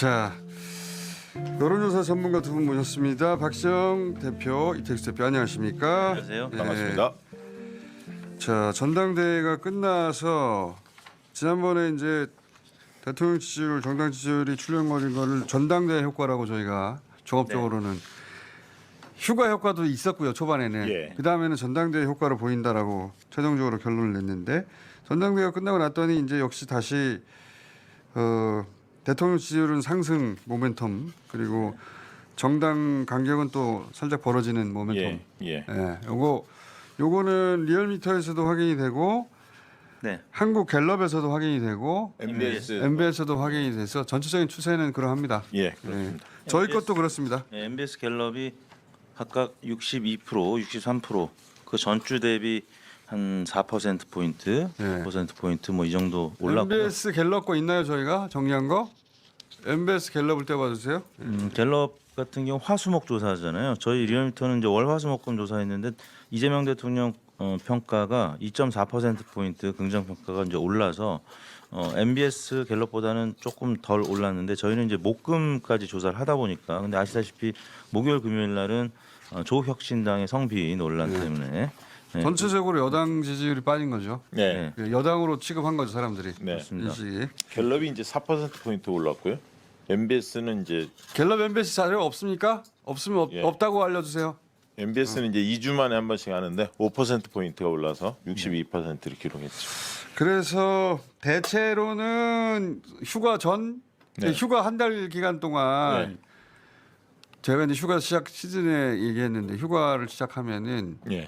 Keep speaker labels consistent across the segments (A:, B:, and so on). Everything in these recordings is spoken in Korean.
A: 자, 여론조사 전문가 두 분 모셨습니다. 박시영 대표, 이택수 대표 안녕하십니까?
B: 안녕하세요.
A: 예.
C: 반갑습니다.
A: 자, 전당대회가 끝나서 지난번에 이제 대통령 지지율, 정당 지지율이 출렁거린 거를 전당대회 효과라고 저희가 종합적으로는 휴가 효과도 있었고요, 초반에는.
C: 예.
A: 그 다음에는 전당대회 효과를 보인다라고 최종적으로 결론을 냈는데 전당대회가 끝나고 났더니 이제 역시 다시 대통령 지지율은 상승 모멘텀 그리고 정당 간격은 또 살짝 벌어지는 모멘텀.
C: 예.
A: 예, 요거는 리얼미터에서도 확인이 되고
B: 네.
A: 한국 갤럽에서도 확인이 되고
C: MBS
A: MBS에도 확인이 돼서 전체적인 추세는 그러합니다.
C: 예, 그렇습니다.
A: 저희
B: MBS
A: 것도 그렇습니다.
B: 네, MBS 갤럽이 각각 62%, 63%, 그 전주 대비 한 4% 포인트,
A: 네.
B: 5% 포인트 뭐 이 정도 올랐고요.
A: MBS 갤럽 거 있나요, 저희가 정리한 거? MBS 갤럽을 떼봐 주세요.
B: 갤럽 같은 경우 화수목 조사잖아요. 저희 리얼미터는 이제 월화수목금 조사했는데 이재명 대통령 평가가 2.4% 포인트 긍정 평가가 이제 올라서 MBS 갤럽보다는 조금 덜 올랐는데 저희는 이제 목금까지 조사를 하다 보니까 근데 아시다시피 목요일 금요일 날은 조혁신당의 성비 논란 때문에 네,
A: 전체적으로 여당 지지율이 빠진 거죠.
C: 네.
A: 여당으로 취급한 거죠, 사람들이.
C: 네.
A: 인식이.
C: 갤럽이 이제 4% 포인트 올랐고요. MBS는 이제
A: 갤럽 MBS 자료 없습니까? 없으면
C: 예.
A: 없다고 알려주세요.
C: MBS는 이제 2주 만에 한 번씩 하는데 5% 포인트가 올라서 62%를 기록했죠.
A: 그래서 대체로는 휴가 전,
C: 네.
A: 휴가 한 달 기간 동안
C: 네.
A: 제가 이제 휴가 시작 시즌에 얘기했는데 휴가를 시작하면은
C: 예.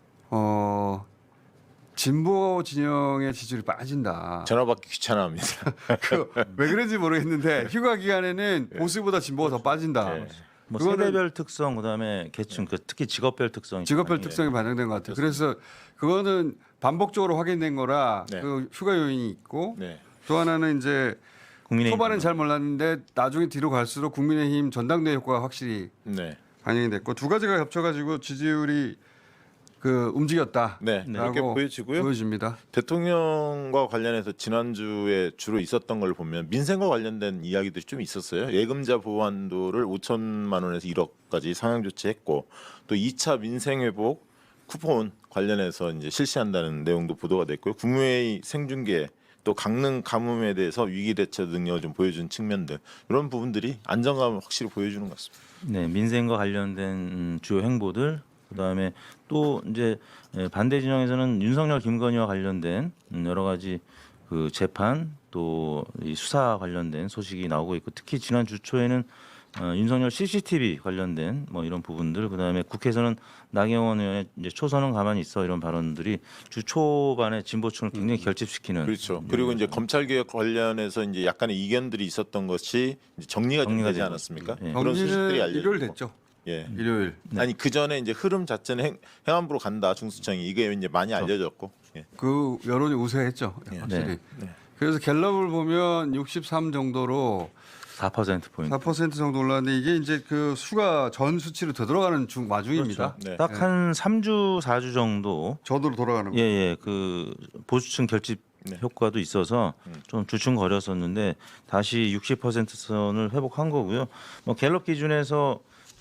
A: 진보 진영의 지지율이 빠진다.
C: 전화 받기 귀찮아합니다.
A: 왜 그런지 모르겠는데 휴가 기간에는 보수보다 진보가 더 빠진다.
C: 네.
B: 뭐
A: 그거는
B: 세대별 특성 그다음에 계층 그 특히 직업별 특성이
A: 직업별
B: 많이
A: 특성이 반영된 것 같아요. 그래서 그거는 반복적으로 확인된 거라
C: 네.
A: 그 휴가 요인이 있고
C: 네.
A: 또 하나는 이제
B: 국민의힘
A: 초반엔 잘 몰랐는데 나중에 뒤로 갈수록 국민의힘 전당대회 효과가 확실히
C: 네.
A: 반영이 됐고 두 가지가 겹쳐가지고 지지율이 그 움직였다.
C: 네. 이렇게 보여지고요.
A: 보여집니다.
C: 대통령과 관련해서 지난주에 주로 있었던 걸 보면 민생과 관련된 이야기들이 좀 있었어요. 예금자 보완도를 5천만 원에서 1억까지 상향 조치했고 또 2차 민생 회복 쿠폰 관련해서 이제 실시한다는 내용도 보도가 됐고요. 국무회의 생중계 또 강릉 가뭄에 대해서 위기 대처 능력을 좀 보여준 측면들 이런 부분들이 안정감을 확실히 보여주는 것 같습니다.
B: 네, 민생과 관련된 주요 행보들 그다음에 또 이제 반대 진영에서는 윤석열 김건희와 관련된 여러 가지 그 재판 또 이 수사 관련된 소식이 나오고 있고 특히 지난 주 초에는 윤석열 CCTV 관련된 뭐 이런 부분들 그다음에 국회에서는 나경원 의원의 이제 초선은 가만히 있어 이런 발언들이 주 초반에 진보층을 굉장히 결집시키는
C: 그렇죠. 그리고 이제 검찰 개혁 관련해서 이제 약간의 이견들이 있었던 것이 이제 정리가 좀 되지
B: 되고
C: 않았습니까?
B: 있습니다. 예.
C: 그런 소식들이
A: 정리는
C: 알려지고.
A: 일요일 됐죠.
C: 예.
A: 일요일.
C: 아니 그 전에 이제 흐름 자체는 행안부로 간다 중수청이 이게 이제 많이 알려졌고. 예.
A: 그 여론이 우세했죠. 확실히.
B: 네.
A: 그래서 갤럽을 보면 63 정도로
B: 4% 포인트.
A: 4% 정도 올랐는데 이게 이제 그 수가 전 수치로 되돌아가는 와중입니다.
C: 네.
B: 딱 한 3주 4주 정도
A: 저도로 돌아가는 거.
B: 예예 그 보수층 결집
C: 네.
B: 효과도 있어서 좀 주춤거렸었는데 다시 60% 선을 회복한 거고요. 뭐 갤럽 기준에서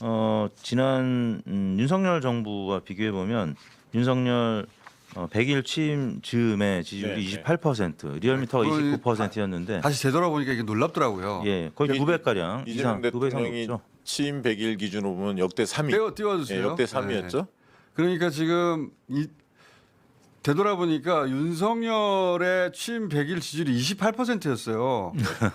B: 지난 윤석열 정부와 비교해 보면 윤석열 100일 취임 즈음에 지지율이
C: 네,
B: 28%, 리얼미터가
A: 거의
B: 29%였는데
A: 다시 되돌아보니까 이게 놀랍더라고요.
B: 예 거의 2배 가량
C: 이재명
B: 이상 2배 이상
C: 대통령이
B: 높죠.
C: 취임 100일 기준으로 보면 역대 3위.
A: 띄워주세요.
C: 예, 역대 3위였죠.
A: 그러니까 지금 되돌아보니까 윤석열의 취임 100일 지지율이 28%였어요.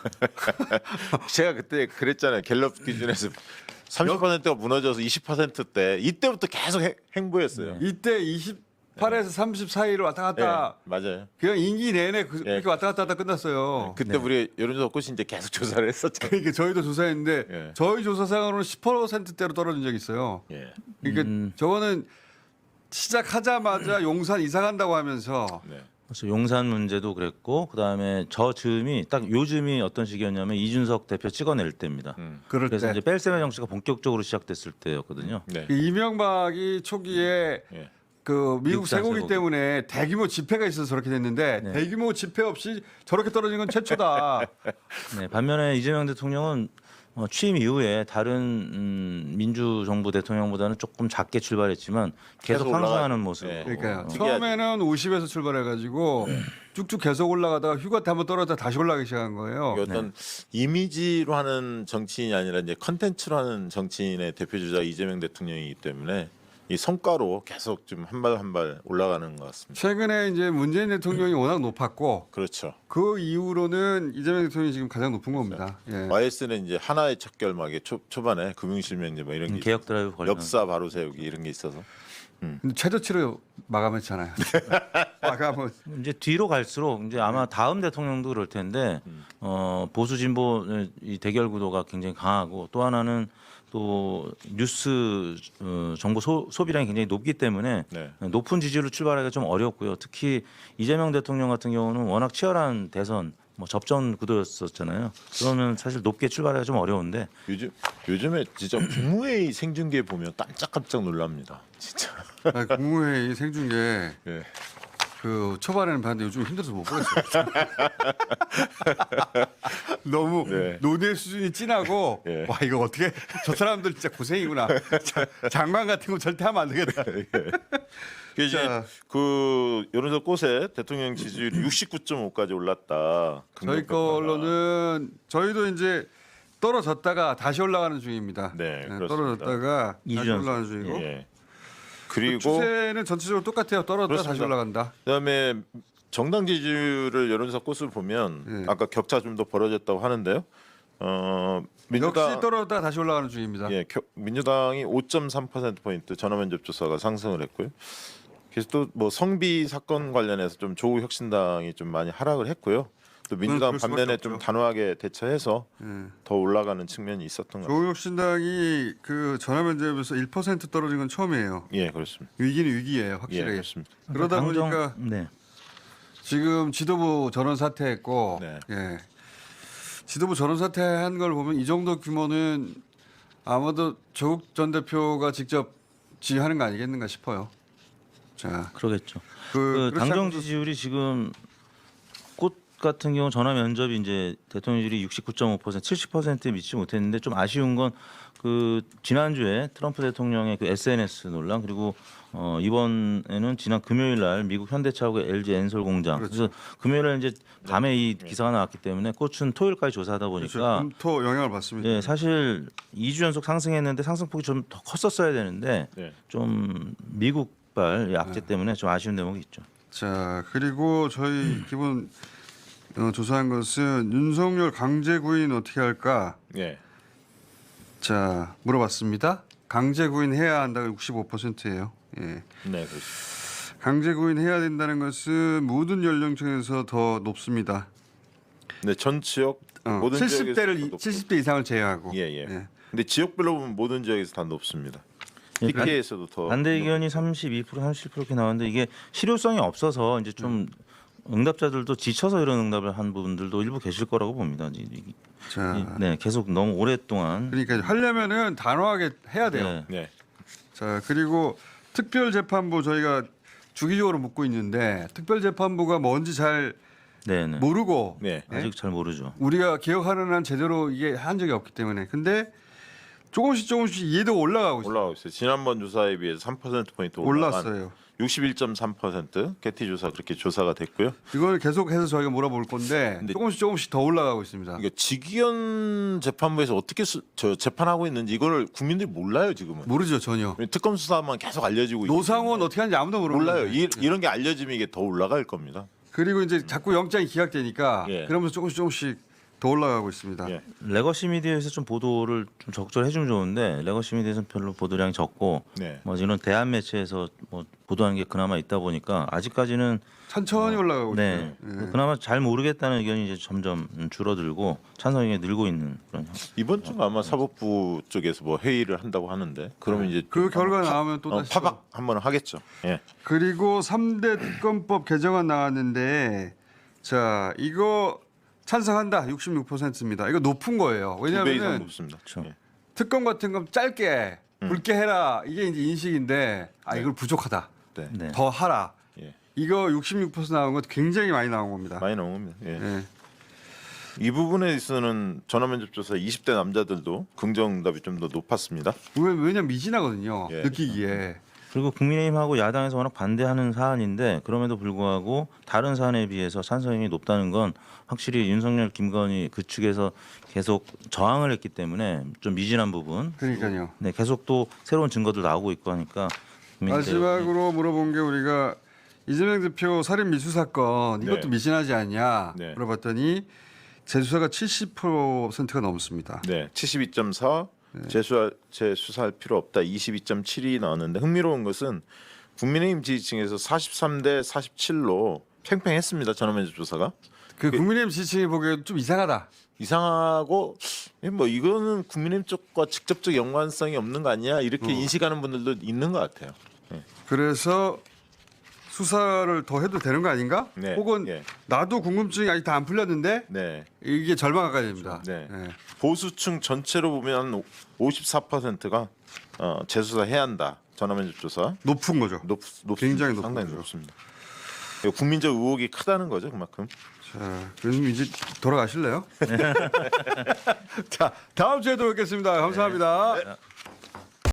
C: 제가 그때 그랬잖아요. 갤럽 기준에서 30%가 무너져서 20%대 이때부터 계속 행보했어요.
A: 이때 28에서 30 사이로 왔다 갔다
C: 예, 맞아요.
A: 그냥 임기 내내 그렇게 왔다 갔다 하다 끝났어요.
C: 그때 우리 여론조사 꽃이 이제 계속 조사를 했었잖아요.
A: 그러니까 저희도 조사했는데
C: 예.
A: 저희 조사상으로는 10%대로 떨어진 적이 있어요.
C: 예.
A: 그러니까 저거는 시작하자마자 용산 이사 간다고 하면서
C: 네.
B: 그래서 용산 문제도 그랬고 그다음에 저 즈음이 딱 요즘이 어떤 시기였냐면 이준석 대표 찍어낼 때입니다.
A: 그럴
B: 그래서
A: 때
B: 이제 뺄셈의 정치가 본격적으로 시작됐을 때였거든요.
C: 네.
A: 그 이명박이 초기에
C: 예.
A: 그 미국
B: 미국산
A: 쇠고기
B: 쇠고기.
A: 때문에 대규모 집회가 있어서 저렇게 됐는데
B: 네.
A: 대규모 집회 없이 저렇게 떨어진 건 최초다.
B: 네, 반면에 이재명 대통령은 취임 이후에 다른 민주정부 대통령보다는 조금 작게 출발했지만 계속
C: 계속
B: 상승하는
C: 올라가-
B: 모습.
C: 네.
A: 그러니까요.
C: 특이하죠.
A: 처음에는 50에서 출발해가지고 쭉쭉 계속 올라가다가 휴가 때 한번 떨어졌다 다시 올라가기 시작한 거예요.
C: 이게 어떤 이미지로 하는 정치인이 아니라 이제 컨텐츠로 하는 정치인의 대표 주자 이재명 대통령이기 때문에 이 성과로 계속 좀 한 발 한 발 올라가는 것 같습니다.
A: 최근에 이제 문재인 대통령이 워낙 높았고
C: 그렇죠.
A: 그 이후로는 이재명 대통령이 지금 가장 높은 겁니다. 예.
C: YS는 이제 하나의 척결막에 초반에 금융실명제 뭐 이런 게
B: 개혁 드라이브 관련.
C: 역사 바로 세우기 이런 게 있어서
A: 근데 최저치로 마감했잖아요. 마감은
B: 이제 뒤로 갈수록 이제 아마 다음 대통령도 그럴 텐데 보수 진보 이 대결 구도가 굉장히 강하고 또 하나는 또 뉴스 정보 소비량이 굉장히 높기 때문에
C: 네.
B: 높은 지지율로 출발하기가 좀 어렵고요. 특히 이재명 대통령 같은 경우는 워낙 치열한 대선 뭐 접전 구도였었잖아요. 그러면 사실 높게 출발하기가 좀 어려운데
C: 요즘에 진짜 국무회의 생중계 보면 깜짝깜짝 놀랍니다. 진짜.
A: 아니, 국무회의 생중계
C: 예.
A: 그 초반에는 봤는데 요즘 힘들어서 못 보겠어요. 너무
C: 네.
A: 논의 수준이 진하고
C: 예.
A: 와 이거 어떻게 저 사람들 진짜 고생이구나. 장관 같은 거 절대 하면 안 되겠다.
C: 그 이제
A: 자.
C: 그 여론조사 꽃에 대통령 지지율이 69.5까지 올랐다.
A: 저희 걸로는 저희도 이제 떨어졌다가 다시 올라가는 중입니다.
C: 네, 그렇습니다.
A: 떨어졌다가
B: 이주
A: 다시
B: 연속.
A: 올라가는 중이고
C: 예.
A: 그
C: 그리고
A: 추세는 전체적으로 똑같아요. 떨어졌다 다시
C: 그렇습니다.
A: 올라간다.
C: 그다음에 정당 지지율을 여론조사 꽃을 보면
A: 예.
C: 아까 격차 좀 더 벌어졌다고 하는데요. 민주당
A: 역시 떨어졌다가 다시 올라가는 중입니다.
C: 예, 민주당이 5.3% 포인트 전화면접 조사가 상승을 했고요. 그래서 또 뭐 성비 사건 관련해서 좀 조국혁신당이 좀 많이 하락을 했고요. 또 민주당
A: 그럴 수밖에
C: 반면에
A: 없죠.
C: 좀 단호하게 대처해서
A: 예.
C: 더 올라가는 측면이 있었던 것 같아요.
A: 조국혁신당이 그 전화면접에서 1% 떨어진 건 처음이에요.
C: 예, 그렇습니다.
A: 위기는 위기예요,
C: 예,
A: 확실하게.
C: 그렇습니다.
A: 그러다
B: 당정-
A: 보니까
B: 네.
A: 지금 지도부 전원 사퇴했고,
C: 네.
A: 예. 지도부 전원 사퇴한 걸 보면 이 정도 규모는 아마도 조국 전 대표가 직접 지휘하는 거 아니겠는가 싶어요. 자,
B: 그러겠죠.
A: 그
B: 그 당정 지지율이 지금 꽃 같은 경우 전화 면접이 이제 대통령율이 69.5% 70%에 미치지 못했는데 좀 아쉬운 건 그 지난주에 트럼프 대통령의 그 SNS 논란 그리고 이번에는 지난 금요일 날 미국 현대차하고 LG 엔솔 공장
A: 그렇죠.
B: 그래서 금요일 날 이제 밤에 이 기사가 나왔기 때문에 꽃은 토요일까지 조사하다
A: 그렇죠.
B: 보니까
A: 금토 영향을 받습니다.
B: 예, 사실 2주 연속 상승했는데 상승폭이 좀 더 컸었어야 되는데
C: 네.
B: 좀 미국발 악재 때문에 좀 아쉬운 대목이 있죠.
A: 자, 그리고 저희 기본 조사한 것은 윤석열 강제 구인 어떻게 할까?
C: 예.
A: 자, 물어봤습니다. 강제 구인해야 한다가 65%예요. 예.
C: 네, 그렇습니다.
A: 강제 구인해야 된다는 것은 모든 연령층에서 더 높습니다.
C: 네, 전 지역 모든
A: 70대를
C: 지역에서 높고.
A: 70대 이상을 제외하고.
C: 예, 예. 근데 지역별로 보면 모든 지역에서 다 높습니다.
B: 예,
C: PK에서도 더
B: 반대 의견이 32% 37% 이렇게 나왔는데 이게 실효성이 없어서 이제 좀 응답자들도 지쳐서 이런 응답을 한 분들도 일부 계실 거라고 봅니다.
A: 자,
B: 네, 계속 너무 오랫동안
A: 그러니까 하려면은 단호하게 해야 돼요.
B: 네,
C: 네.
A: 자, 그리고 특별재판부 저희가 주기적으로 묻고 있는데 특별재판부가 뭔지 잘
B: 네, 네.
A: 모르고
C: 네.
B: 아직 잘 모르죠.
A: 우리가 기억하는 한 제대로 이게 한 적이 없기 때문에 근데 조금씩 이해도가 올라가고 있어요.
C: 올라가고 있어요. 지난번 조사에 비해서 3% 포인트 올라간
A: 올랐어요.
C: 61.3% 개티 조사 그렇게 조사가 됐고요.
A: 이걸 계속해서 저희가 물어볼 건데
C: 근데-
A: 조금씩 더 올라가고 있습니다.
C: 그러니까 직위원 재판부에서 어떻게 저 재판하고 있는지 이거를 국민들이 몰라요 지금은.
A: 모르죠 전혀.
C: 특검 수사만 계속 알려지고 있기
A: 노상원
C: 때문에.
A: 어떻게 하는지 아무도 모르는
C: 몰라요.
A: 거예요.
C: 이런 게 알려지면 이게 더 올라갈 겁니다.
A: 그리고 이제 자꾸 영장이 기각되니까
C: 예.
A: 그러면서 조금씩 더 올라가고 있습니다.
C: 예.
B: 레거시 미디어에서 좀 보도를 좀 적절히 해주면 좋은데 레거시 미디어에서는 별로 보도량이 적고
C: 네.
B: 뭐 이런 대한 매체에서 뭐 보도하는 게 그나마 있다 보니까 아직까지는
A: 천천히 올라가고
B: 네
A: 있어요. 예.
B: 그나마 잘 모르겠다는 의견이 이제 점점 줄어들고 찬성 의견이 늘고 있는 그런
C: 이번 주 아마 사법부 쪽에서 뭐 회의를 한다고 하는데 그러면 이제
A: 그
C: 좀
A: 결과
C: 아마
A: 나오면 또 다시
C: 파박 한번 하겠죠. 예.
A: 그리고 3대 특검법 개정안 나왔는데 자 이거 찬성한다 66%입니다. 이거 높은 거예요.
C: 2배 이상
A: 왜냐하면
C: 높습니다.
B: 그렇죠.
C: 예.
A: 특검 같은 건 짧게 굵게 해라 이게 이제 인식인데 아 이걸 부족하다.
C: 네.
B: 네.
A: 더 하라.
C: 예.
A: 이거 66% 나온 것 굉장히 많이 나온 겁니다.
C: 많이 나온 겁니다. 예.
A: 예.
C: 이 부분에 있어서는 전화면접 조사 20대 남자들도 긍정응답이 좀 더 높았습니다.
A: 왜냐면 미진하거든요.
C: 예.
A: 느끼기에.
B: 그리고 국민의힘하고 야당에서 워낙 반대하는 사안인데 그럼에도 불구하고 다른 사안에 비해서 찬성이 높다는 건 확실히 윤석열, 김건희 그 측에서 계속 저항을 했기 때문에 좀 미진한 부분.
A: 그러니까요.
B: 네, 계속 또 새로운 증거들 나오고 있고 하니까 국민들
A: 마지막으로 물어본 게 우리가 이재명 대표 살인 미수 사건 이것도
C: 네.
A: 미진하지 않냐
C: 네.
A: 물어봤더니 재수사가 70%가 넘습니다.
C: 네, 72.4 재수사할 필요 없다. 22.7이 나왔는데 흥미로운 것은 국민의힘 지지층에서 43대 47로 팽팽했습니다. 전화면접 조사가
A: 그 국민의힘 지지층이 보기에도 좀 이상하다.
C: 이상하고 뭐 이거는 국민의힘 쪽과 직접적 연관성이 없는 거 아니야 이렇게 인식하는 분들도 있는 것 같아요.
A: 그래서 수사를 더 해도 되는 거 아닌가?
C: 네.
A: 혹은
C: 예.
A: 나도 궁금증이 아직 다 안 풀렸는데
C: 네.
A: 이게 절반 가까이 됩니다.
C: 네.
A: 예.
C: 보수층 전체로 보면 54%가 재수사해야 한다. 전화면접 조사
A: 높은 거죠.
C: 높습니다.
A: 굉장히 높은
C: 상당히
A: 거죠.
C: 높습니다. 이거 국민적 의혹이 크다는 거죠, 그만큼.
A: 자, 그럼 이제 돌아가실래요? 자, 다음 주에도 뵙겠습니다. 감사합니다.